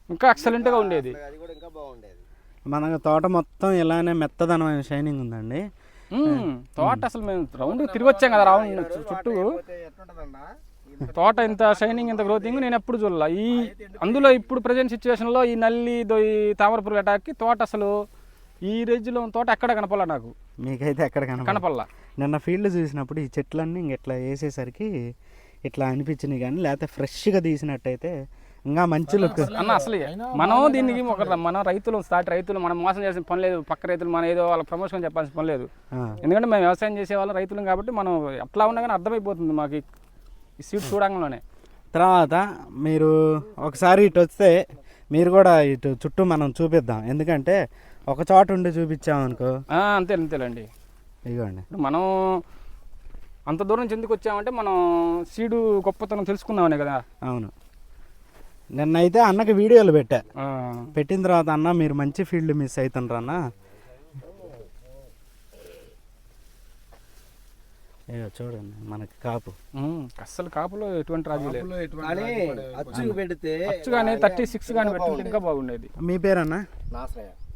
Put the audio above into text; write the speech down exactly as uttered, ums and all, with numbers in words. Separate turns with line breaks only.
ఇంకా ఎక్సలెంట్గా ఉండేది.
అది కూడా ఇంకా బాగుండేది.
మన తోట మొత్తం ఇలానే మెత్తదనమైన షైనింగ్ ఉందండి.
తోట అసలు మేము రౌండ్ తిరిగి వచ్చాం కదా రౌండ్ చుట్టూ, తోట ఇంత షైనింగ్ ఇంత గ్రోతింగ్ నేను ఎప్పుడు చూడాల. ఈ అందులో ఇప్పుడు ప్రజెంట్ సిచ్యువేషన్లో ఈ నల్లి ఈ తామరపురుగు అటాక్కి తోట అసలు ఈ రేంజ్లో తోట ఎక్కడ కనపల్లా నాకు.
మీకైతే ఎక్కడ
కనపల్లా.
నిన్న ఫీల్డ్ చూసినప్పుడు ఈ చెట్లన్నీ ఇంక ఇట్లా వేసేసరికి ఇట్లా అనిపించినాయి, కానీ లేకపోతే ఫ్రెష్గా తీసినట్టయితే ఇంకా మంచి లుక్
అన్న. అసలు మనం దీనికి ఒక మనం రైతులు స్టార్ట్ రైతులు మనం మోసం చేసిన పని లేదు. పక్క రైతులు మనం ఏదో వాళ్ళ ప్రమోషన్ చెప్పాల్సిన పని లేదు. ఎందుకంటే మేము వ్యవసాయం చేసే వాళ్ళం రైతులం కాబట్టి మనం ఎట్లా ఉన్నా కానీ అర్థమైపోతుంది మాకు ఈ సీడ్ చూడంగానే.
తర్వాత మీరు ఒకసారి ఇటు వస్తే మీరు కూడా ఇటు చుట్టూ మనం చూపిద్దాం, ఎందుకంటే ఒక చోట ఉండి చూపించామనుకో.
అంతే అంతేలేండి.
ఇదిగోండి,
మనం అంత దూరం నుంచి ఎందుకు వచ్చామంటే మనం సీడు గొప్పతనం తెలుసుకుందామనే కదా.
అవును. నిన్నైతే అన్నకి వీడియోలు పెట్టా, పెట్టిన తర్వాత అన్న మీరు మంచి ఫీల్డ్ మిస్ అవుతుండ్రు అన్న. అయ్యో చూడండి మనకి కాపు
అస్సలు కాపులో ఎటువంటి రాజు లేదు.
అచ్చు పెడితే
అచ్చు కానీ థర్టీ సిక్స్ కానీ పెట్టి ఇంకా బాగుండేది.
మీ పేరన్నా?
నాసరయ్య.